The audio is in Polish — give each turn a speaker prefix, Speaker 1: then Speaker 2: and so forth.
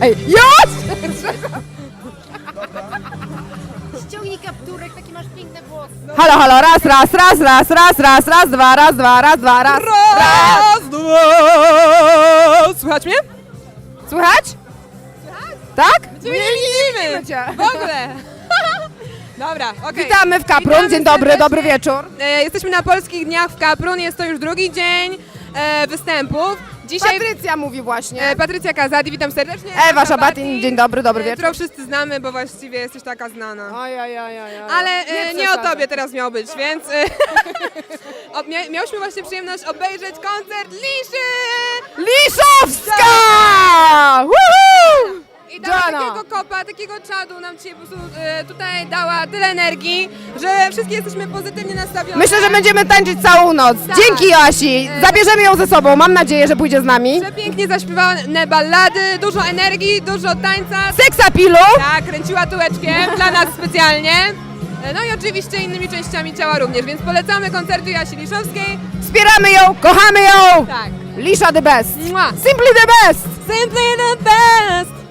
Speaker 1: Ej, już!
Speaker 2: Ściągnij kapturek, taki masz piękne włosy.
Speaker 1: Halo, halo, raz, dwa, raz, dwa.
Speaker 3: Raz, dwa! Słychać mnie?
Speaker 1: Słychać? Tak?
Speaker 3: Nie widzimy!
Speaker 1: Cię.
Speaker 3: W ogóle! Dobra, okej.
Speaker 1: Witamy w Kaprun,
Speaker 3: Witamy
Speaker 1: dzień dobry,
Speaker 3: serdecznie.
Speaker 1: dobry wieczór.
Speaker 3: Jesteśmy na Polskich Dniach w Kaprun, jest to już drugi dzień występów. Dzisiaj
Speaker 1: Patrycja mówi właśnie.
Speaker 3: Patrycja Kazadi, witam serdecznie.
Speaker 1: Ewa Szabatin, dzień dobry, dobry wieczór.
Speaker 3: Którą wszyscy znamy, bo właściwie jesteś taka znana.
Speaker 1: Oj.
Speaker 3: Ale nie o
Speaker 1: przesadzaj.
Speaker 3: tobie teraz miał być, więc miałyśmy właśnie przyjemność obejrzeć koncert Liszy!
Speaker 1: Liszowska! Woohoo!
Speaker 3: I dała
Speaker 1: Joanna.
Speaker 3: takiego kopa, takiego czadu nam dzisiaj po prostu tutaj dała tyle energii, że wszystkie jesteśmy pozytywnie nastawione.
Speaker 1: Myślę, że będziemy tańczyć całą noc.
Speaker 3: Tak.
Speaker 1: Dzięki Joasi. Zabierzemy ją ze sobą. Mam nadzieję, że pójdzie z nami.
Speaker 3: Przepięknie zaśpiewane ballady, dużo energii, dużo tańca.
Speaker 1: Seksapilu.
Speaker 3: Tak, kręciła tułeczkiem dla nas specjalnie. No i oczywiście innymi częściami ciała również, więc polecamy koncerty Joasi Liszowskiej.
Speaker 1: Wspieramy ją, kochamy ją.
Speaker 3: Tak.
Speaker 1: Lisza the best.
Speaker 3: Mua.
Speaker 1: Simply the best.
Speaker 3: Simply the best!